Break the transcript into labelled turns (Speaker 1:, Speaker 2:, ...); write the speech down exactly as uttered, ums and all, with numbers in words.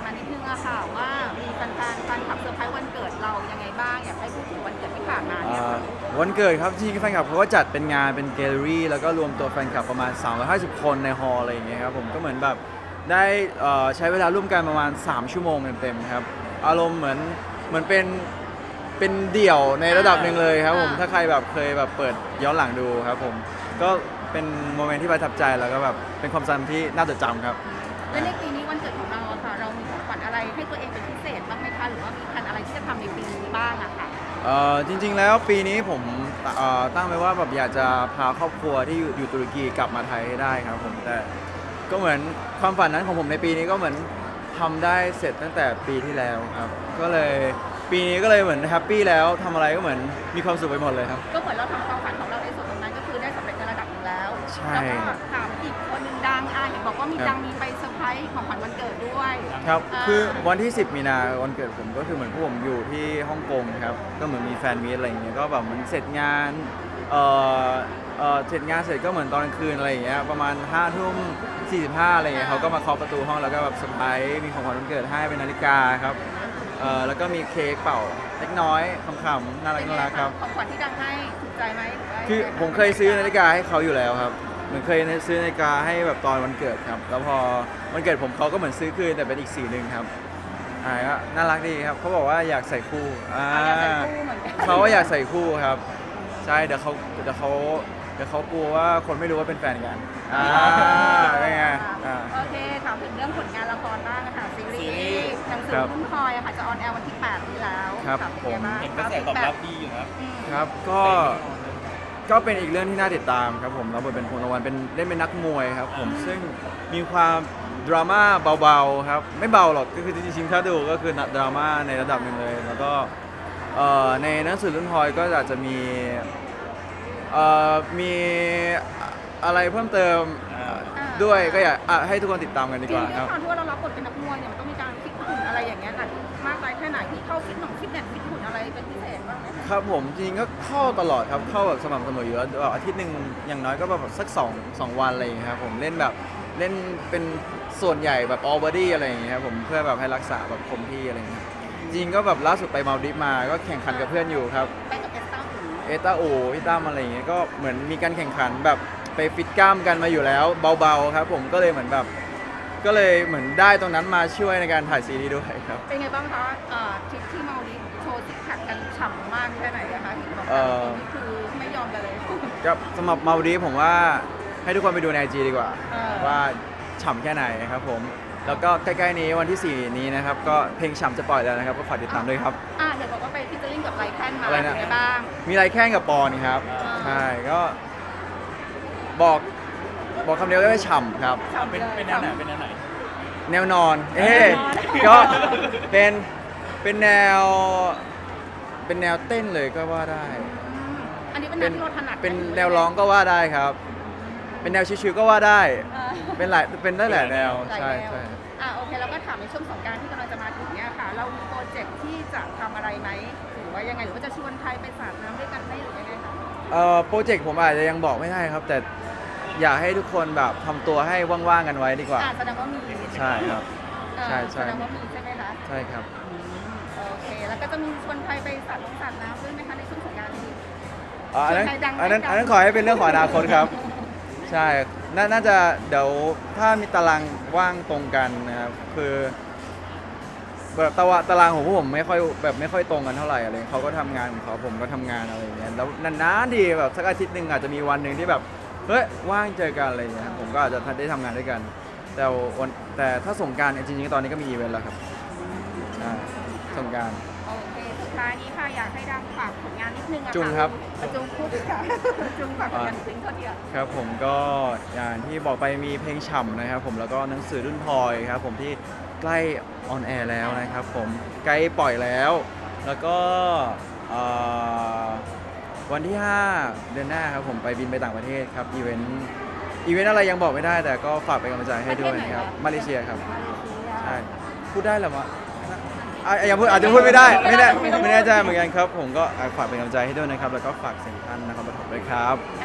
Speaker 1: มานิดนึงอะค่ะว่ามีแฟนๆแฟนคลับเซอร์ไพรส์วันเกิดเรายังไงบ้างอยากให้พูดถึงวันเกิดที่ผ่านมาเนี่ย
Speaker 2: อ่า
Speaker 1: ค่ะ
Speaker 2: วันเกิดครับที่แฟนคลับเขาก็จัดเป็นงานเป็นแกลเลอรี่แล้วก็รวมตัวแฟนคลับประมาณสามร้อยห้าสิบคนในฮอลล์อะไรอย่างเงี้ยครับผมก็เหมือนแบบได้เอ่อใช้เวลาร่วมกันประมาณสามชั่วโมงเต็มๆครับอารมณ์เหมือนเหมือนเป็นเป็นเดี่ยวในระดับหนึ่งเลยครับผมถ้าใครแบบเคยแบบเปิดย้อนหลังดูครับผมก็เป็นโมเมนต์ที่ประทับใจแล้วก็แบบเป็นความทรงจำที่น่าจดจำครับ
Speaker 1: และในปีนี้วันเกิดของเราอะค่ะเรามีของขวัญอะไรให้ตัวเองเป็นพิเศษบ้างไหมคะหรือว่ามีแผนอะไรที่จะทำในปีนี้บ้างอะค่ะ
Speaker 2: เอ่อจริงๆแล้วปีนี้ผมเอ่อตั้งไว้ว่าแบบอยากจะพาครอบครัวที่อยู่อยู่ตุรกีกลับมาไทยให้ได้ครับผมแต่ก็เหมือนความฝันนั้นของผมในปีนี้ก็เหมือนทำได้เสร็จตั้งแต่ปีที่แล้วครับก็เลยปีนี้ก็เลยเหมือนแฮปปี้แล้วทำอะไรก็เหมือนมีความสุขไปหมดเลยครับ
Speaker 1: ก็เหมือนเราทำความฝันของเราในส่วนตรงนั้นก็คือได้สำเร็จในระดับหนึ่งแล้ว
Speaker 2: ใช่
Speaker 1: แล้วก็ถามอีกคนหนึ่งดังอ่ะเห็นบอกว่ามี
Speaker 2: ครับ
Speaker 1: ดังมีไปเซอร์ไพรส์ของขวัญวันเกิดด้วย
Speaker 2: ครับ
Speaker 1: อ่า
Speaker 2: คือวันที่สิบมีนาวันเกิดผมก็คือเหมือนพวกผมอยู่ที่ฮ่องกงครับก็เหมือนมีแฟนมีตอะไรอย่างเงี้ยก็แบบเหมันเสร็จงานเอ่อเอ่อเสร็จงานเสร็จก็เหมือนตอนกลางคืนอะไรอย่างเงี้ยประมาณห้าทุ่มสี่สิบห้าอะไรอย่างเงี้ยเขาก็มาเคาะประตูห้องแล้วก็แบบเซอร์ไพรส์มีของขวัญวันเกิดให้เป็นนาฬิกาครับเอ่อแล้วก็มีเค้กเป่าเล็กน้อยขำๆน่ารักน่ารักครับ
Speaker 1: ของขวัญที่ดังให้ถูกใจไหมหรือว่า
Speaker 2: คือผมเคยซื้อนาฬิกาให้เขาอยู่แล้วครับเหมือนเคยซื้อนาฬิกาให้แบบตอนวันเกิดครับ แล้วพอวันเกิดผมเขาก็เหมือนซื้อคืนแต่เป็นอีกสีหนึ่งครับอ่าก็น่ารักดีครับเขาบอกว่าอยากใส่คู่อ่า
Speaker 1: อ่ะอยากใส่คู่เหมือนกัน
Speaker 2: เขาก็อยากใส่คู่ครับใช่เดี๋ยวเขาเดี๋ยวเขาเดี๋ยวเขากลัวว่าคนไม่รู้ว่าเป็นแฟนกันอ่าเป็นไงอ่า
Speaker 1: โอเคถามถึงเรื่องผลงานละครบ้างอะค่ะซีรีส์หนังสือ
Speaker 2: ครับ
Speaker 1: รุ่นพลอยอะค่ะจะออนแอร์วันที่แปดนี้แล้ว
Speaker 2: ครับ
Speaker 1: ะเป็นไงาง
Speaker 3: เห็นกระแสตอบรับดีอยู่นะ
Speaker 1: อืม
Speaker 2: ครับก็ก็เป็นอีกเรื่องที่น่าติดตามครับผมแล้วบทเป็นพลวันเป็นเล่นเป็นนักมวยครับผมซึ่งมีความดราม่าเบาๆครับไม่เบาหรอกก็คือจริงๆถ้าดูก็คือดราม่าในระดับหนึ่งเลย แล้วก็เอ่อในหนังสือรุ่นพลอยก็อาจจะมีเอ่อมีอะไรเพิ่มเติมด้วยก็อยากอ่ะให้ทุกคนติดตามกันดี
Speaker 1: จ
Speaker 2: ก
Speaker 1: ริง
Speaker 2: ว่า
Speaker 1: ๆด้
Speaker 2: คว รั
Speaker 1: ย
Speaker 2: บ
Speaker 1: ความที่ว่าเรารับบทเป็นนักมวยเนี่ยมันต้องมีการฟิตหุ่นอะไรอย่างเงี้ยค่ะมากน้อยแค่ไหนที่เข้าฟิตหนองฟิตเนสฟิตหุ่นอะไรเป็นพิเศษบ้างไหมคะ
Speaker 2: ครับผมจริงๆก็เข้าตลอดครับเข้าแบบสม่ำเสมออยู่แล้วแบบอาทิตย์หนึ่งอย่างน้อยก็แบบสักสองสองวันอะไรอย่างเงี้ยครับผมเล่นแบบเล่นเป็นส่วนใหญ่แบบ all body อะไรอย่างเงี้ยครับผมเพื่อแบบให้รักษาแบบคงที่อะไรอย่างเงี้ยจริงๆก็แบบล่าสุดไปมาลดิฟมาก็แข่งขันกับเพื่อนอยู่ครับ
Speaker 1: ไปกับเอสต้าหู
Speaker 2: เอต้าโอพี่ตั้มอะไรอย่างเงี้ยก็เหมือนมีการแข่งขันแบบไปฟิตกล้ามกันมาอยู่แล้วเบาๆครับผมก็เลยเหมือนแบบก็เลยเหมือนได้ตรงนั้นมาช่วยในการถ่ายซีรีส์ด้วยครับ
Speaker 1: เป็นไงบ้างคะเอ่อทริปที่มาลดิฟโชว์ซิกแพคกันฉ่ำมากแค่ไหนอะคะเห็นบอก
Speaker 2: เอ่
Speaker 1: ว่า
Speaker 2: อ
Speaker 1: นี่คือไม่ยอมกันเลย
Speaker 2: ก็สำหรับมาลดีฟผมว่าให้ทุกคนไปดูในไอจีดีกว่า
Speaker 1: เออ
Speaker 2: ว่าฉ่ำแค่ไหนครับผม แล้วก็ใกล้ๆนี้วันที่สี่นี้นะครับ ก็เพลงฉ่ำจะปล่อยแล้วนะครับ ก็ฝากติดตามด้วยครับ
Speaker 1: อ่ะเดี๋ยวบอกว่าไปฟิชเจอริ่งกับไลแคนมา
Speaker 2: อะไร
Speaker 1: เป็
Speaker 2: นะ
Speaker 1: นไงบ้าง
Speaker 2: มีไรแข่งกับปอนครับ
Speaker 1: อ่า
Speaker 2: ใช่ก็บอกบอกคำเดียวก็ว่าฉ่ำครับ
Speaker 1: ฉ่ำ
Speaker 3: เป็น
Speaker 1: ลย
Speaker 3: เป็นแนวไหนเป็นแนวไหน
Speaker 2: แนวนอน เอ๊ะ
Speaker 1: แนวนอน
Speaker 2: ก็เป็นเป็นแนวเป็นแนวเต้นเลยก็ว่าได้
Speaker 1: อืมอันนี้เป็นแน
Speaker 2: เป็
Speaker 1: วน ที่เราถนัด
Speaker 2: เป็นแนวร้องก็ว่าได้ครับ เป็นแนวชิวๆก็ว่าได้
Speaker 1: เออ
Speaker 2: เป็นหลายเป็นได้หลายแนว
Speaker 1: หลาย
Speaker 2: ใช่
Speaker 1: แนว
Speaker 2: ใช่
Speaker 1: อ่ะโอเคแล้วก็ถามในช่วงสงกรารที่กำลังจะมาถึงเนี่ยค่ะ เรามีโปรเจกต์ที่จะทำอะไรไหมหรือว่ายังไงหรือว่าจะชวนใครไปสาดน้ำด้วยกันไหมหรือยังไงคะ
Speaker 2: เอ่อโปรเจกต์ผมอาจจะยังบอกไม่ได้ครับ แต่อยากให้ทุกคนแบบทำตัวให้ว่างๆกันไว้ดีกว่า
Speaker 1: อ่ะแสดงว่ามี
Speaker 2: ใช่ครับ
Speaker 1: เออ
Speaker 2: ใช่ใช่
Speaker 1: แสดงว่ามีใช่ไหมคะ
Speaker 2: ใช่ครับ
Speaker 1: อืมโอเค แล้วก็จะมีชวนใครไปสาดน้ำสาดน้ำด้วยไหมคะในช่วงสงกรานต์นี้
Speaker 2: อ๋ออันนั้น
Speaker 1: ใครดัง
Speaker 2: อันนั้น
Speaker 1: ใครดัง
Speaker 2: อันนั้นขอให้เป็นเรื่องของอนาคตครับ ใช่นาน่าจะเดี๋ยวถ้ามีตารางว่างตรงกันนะครับคือแบบตารางตารางของพวกผมไม่ค่อยแบบไม่ค่อยตรงกันเท่าไหร่อะไรเขาก็ทำงานของเขาผมก็ทำงานอะไรอย่างเงี้ยแล้วนานๆทีแบบสักอาทิตย์หนึ่งอาจจะมีวันหนึ่งที่แบบเฮ้ยว่างเจอกันอะไรอย่างเงี้ยผมก็อาจจะได้ทำงานด้วยกัน แต่วันแต่ถ้าสงกรารจริงๆตอนนี้ก็มีอีเวนต์แล้วครับใช่สงกราร
Speaker 1: โอเค สุดท้ายนี้ค่ะอยากให้ดังฝากผลงานนิดนึงอะะ
Speaker 2: จุงครับ
Speaker 1: ประจุงพูดค่ะ จุงฝากผลงานทิ้งเขาเดียว
Speaker 2: ครับผมก็อย่างที่บอกไปมีเพลงฉ่ำนะครับผมแล้วก็หนังสือรุ่นพลอยครับผมที่ใกล้ออนแอร์แล้วนะครับผมใกล้ปล่อยแล้ว แล้วก็เอ่อวันที่ ห้า เดือนหน้าครับผมไปบินไปต่างประเทศครับอีเวนต์อีเวนต์อะไรยังบอกไม่ได้แต่ก็ฝากเป็นกำลังใจให้ด้วยนะครับมาเลเซียครับใช่พูดได้เหรอวะอ่ะยังพูดอาจจะพูดไม่ได้ไม่แน่ไม่แน่ใจเหมือนกันครับผมก็ฝากเป็นกำลังใจให้ด้วยนะครับแล้วก็ฝากเสียงท่านนะครับปฐมด้วยครับ